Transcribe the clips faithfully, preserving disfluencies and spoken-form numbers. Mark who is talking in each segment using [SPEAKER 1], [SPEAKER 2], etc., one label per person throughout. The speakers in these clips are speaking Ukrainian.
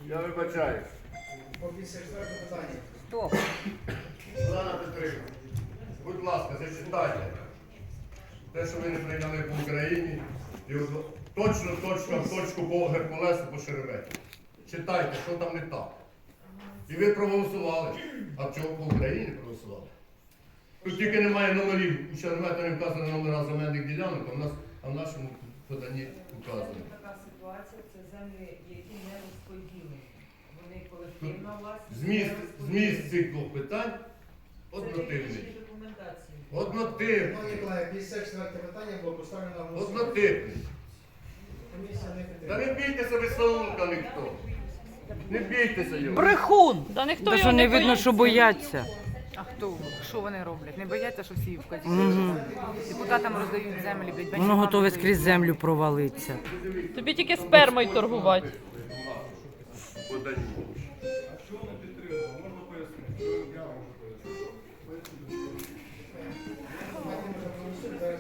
[SPEAKER 1] Я вибачаюсь.
[SPEAKER 2] По п'ятдесят четвертому питанню.
[SPEAKER 3] Стоп.
[SPEAKER 1] Олена Петрівна, будь ласка, зачитайте. Те, що ви не прийняли по Україні, і от точно, точно, в точку по Геркулесу, по Шереметі. Читайте, що там не так. І ви проголосували. А чого по Україні проголосували? Тут тільки немає номерів, у Шереметі не вказано номера земельних ділянок, а в, нас, а в нашому поданні вказано.
[SPEAKER 4] Це така ситуація, це землі, які не розподілені. Вони колективна власність.
[SPEAKER 1] Зміст, зміст цих двох питань
[SPEAKER 4] Це
[SPEAKER 1] однотипний.
[SPEAKER 4] технічні документації.
[SPEAKER 1] Однотипний.
[SPEAKER 2] Шановні колеги, п'ятдесят четверте питання було поставлено на голосування.
[SPEAKER 1] Однотипний.
[SPEAKER 2] Комісія не
[SPEAKER 1] Та
[SPEAKER 2] підтримує.
[SPEAKER 1] не бійтеся ви Саулка ніхто. Не бійтеся його.
[SPEAKER 3] Брехун!
[SPEAKER 5] Да ніхто
[SPEAKER 3] Та
[SPEAKER 5] його
[SPEAKER 3] що не видно,
[SPEAKER 5] боїться.
[SPEAKER 3] що бояться.
[SPEAKER 6] А хто? Що вони роблять? Не бояться, що всі вказі.
[SPEAKER 3] Угу.
[SPEAKER 6] Депутатам роздають землі, блядь,
[SPEAKER 3] Воно
[SPEAKER 6] батькам
[SPEAKER 3] готове
[SPEAKER 6] роздають.
[SPEAKER 3] скрізь землю провалитися.
[SPEAKER 5] Тобі тільки спермою торгувати.
[SPEAKER 1] Подані.
[SPEAKER 7] Що не підтримав? Можна пояснити? Я можу пояснити.
[SPEAKER 2] Давайте ми проголосуємо зараз.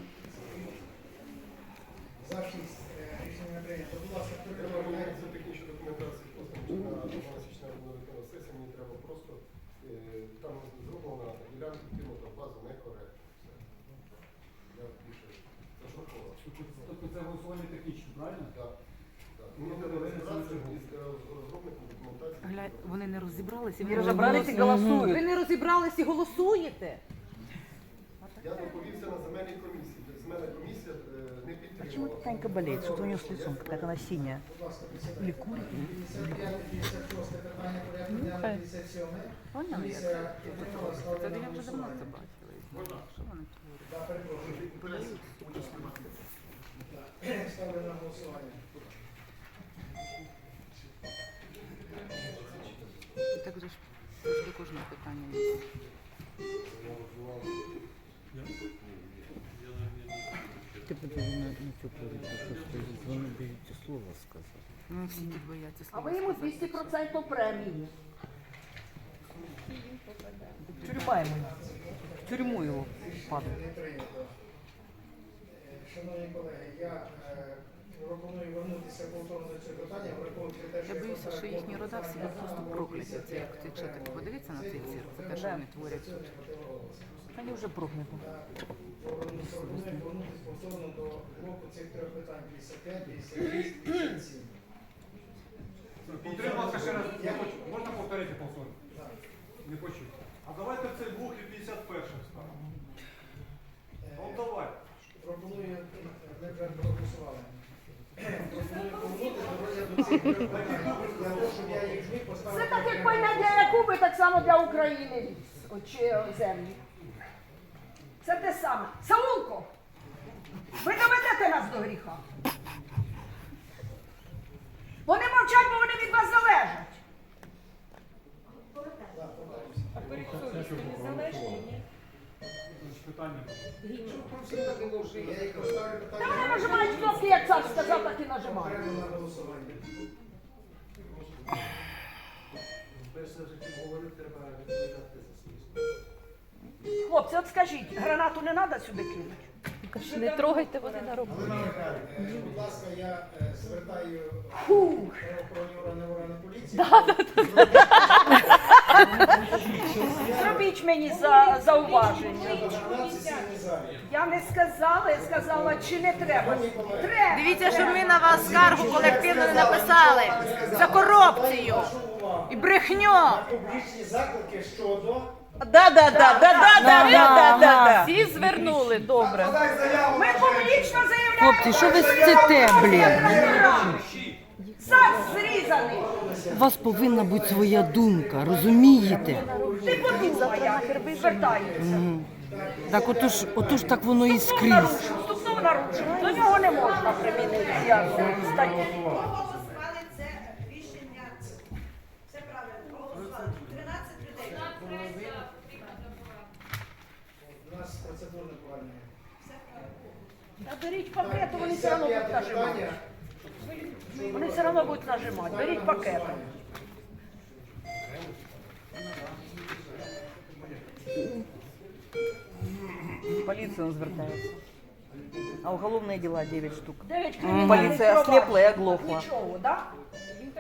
[SPEAKER 2] За шість. Е, Рішення не прийнято. Будь ласка, хто
[SPEAKER 7] Я пропоную
[SPEAKER 2] підтримує?
[SPEAKER 7] це технічну документацію поставити на дванадцять виконана сесія. Мені треба просто, е, там зроблена ділянка кинута в базу некоректно. Все. Я більше зашокував.
[SPEAKER 8] Тобто це голосування технічне, правильно?
[SPEAKER 7] Так. Так. Мені треба розібратися із е, розробником документації.
[SPEAKER 6] Гля... Вони не розібралися.
[SPEAKER 3] Не розібрались і голосують.
[SPEAKER 6] Ви не розібрались і голосуєте?
[SPEAKER 7] Я доповівся на земельній комісії. Земельна комісія е, не підтримала.
[SPEAKER 3] Чому Танька болеет? Что у нее с лицом? Как она синяя?
[SPEAKER 2] Будь ласка, присідайте.
[SPEAKER 3] Или курит?
[SPEAKER 2] п'ятдесят п'яте, п'ятдесят шосте питання порядку дня,
[SPEAKER 5] хай.
[SPEAKER 2] п'ятдесят сьоме.
[SPEAKER 6] Поняли?
[SPEAKER 2] Комісія підтримала,
[SPEAKER 6] Це
[SPEAKER 2] ставлена на
[SPEAKER 6] я вже давно це
[SPEAKER 2] голосування.
[SPEAKER 6] бачила. Що вони творять?
[SPEAKER 2] Да, перепрошую. Ставлю на голосування.
[SPEAKER 6] І так же ж це ж до кожного питання є.
[SPEAKER 3] Ты подожди на цю повідку, що вони боються слова сказати.
[SPEAKER 6] Ну, всі тут бояться
[SPEAKER 9] А
[SPEAKER 6] слова
[SPEAKER 9] ви йому
[SPEAKER 6] сказати.
[SPEAKER 9] двісті відсотків премії.
[SPEAKER 3] Тюрьма ему. В тюрьму его падает.
[SPEAKER 2] Не прийнято. Е, Шановні колеги, я е, пропоную вернутися повторно до цього питання, враховуючи те, що
[SPEAKER 6] Я боюся, що їхні рода всі будуть просто прокляті. Це як ці чотири. Подивіться на цей цирк, це те, що вони творять тут.
[SPEAKER 3] Вони вже прокляті.
[SPEAKER 2] Пропоную повернутися повторно до блоку цих трьох питань п'ятдесят п'ять, п'ятдесят шість, п'ятдесят сім.
[SPEAKER 8] Підтримався ще раз. Я хочу. Можна повторити повторно?
[SPEAKER 2] Так.
[SPEAKER 8] Не хочу. А давайте цей блок і п'ятдесят першим ставимо.
[SPEAKER 2] Е,
[SPEAKER 8] Ну давай.
[SPEAKER 2] Пропоную, ми вже проголосували. Пропоную повернутися до розгляду цих трьох питань. Для того, щоб я їх зміг поставити.
[SPEAKER 9] Це так, як пальне для Якуби, так само для України ліс, о, чи е, землі. Це те саме. Саулко, ви доведете нас до гріха. Вони мовчать, бо вони від вас залежать.
[SPEAKER 8] Значить, питання.
[SPEAKER 2] Я їх поставлю
[SPEAKER 9] Та
[SPEAKER 2] питання.
[SPEAKER 9] вони нажимають кнопки, як цар сказав, так і нажимають.
[SPEAKER 2] Окремо на голосування.
[SPEAKER 9] Хлопці, от скажіть, гранату не треба сюди кинути?
[SPEAKER 5] Не трогайте, вони на роботу.
[SPEAKER 2] Галина Михайлівна, е, будь ласка, я е, звертаю
[SPEAKER 9] Фух.
[SPEAKER 2] правоохоронні органи органи поліції.
[SPEAKER 9] Зробіть мені за, зауваження.
[SPEAKER 2] Гранат в сесійній залі.
[SPEAKER 9] Я не сказала, я сказала, чи не треба. Треба.
[SPEAKER 6] Дивіться, щоб ми на вас скаргу колективно не написали за корупцію
[SPEAKER 2] Прошу увагу
[SPEAKER 6] і брехню.
[SPEAKER 2] на публічні заклики щодо
[SPEAKER 3] Да, да, да, да, да, да, да, да.
[SPEAKER 5] Всі звернули, добре.
[SPEAKER 9] Ми публічно заявляємо.
[SPEAKER 3] Хлопці, що ви сците, блін?
[SPEAKER 9] Сад зрізаний.
[SPEAKER 3] У вас повинна бути своя думка, розумієте?
[SPEAKER 9] Ти подумай, як звертається.
[SPEAKER 3] Так отож, отож так воно і скрізь.
[SPEAKER 9] Наружу, стукнув наружу. До нього не можна примінити цієї статті.
[SPEAKER 10] Проголосували це рішення. Все правильно. Проголосували. тринадцять людей.
[SPEAKER 2] у нас процедурне повернення.
[SPEAKER 9] Та беріть пакету, вони все одно будуть
[SPEAKER 2] п'ятдесят п'яте
[SPEAKER 9] нажимати.
[SPEAKER 2] питання.
[SPEAKER 9] Вони все одно будуть нажимати. Беріть пакету.
[SPEAKER 3] Поліція звертається. А уголовні діла дев'ять штук.
[SPEAKER 9] Дев'ять кримінальних
[SPEAKER 3] Поліція
[SPEAKER 9] проваджень.
[SPEAKER 3] ослепла і оглохла.
[SPEAKER 9] Нічого, так?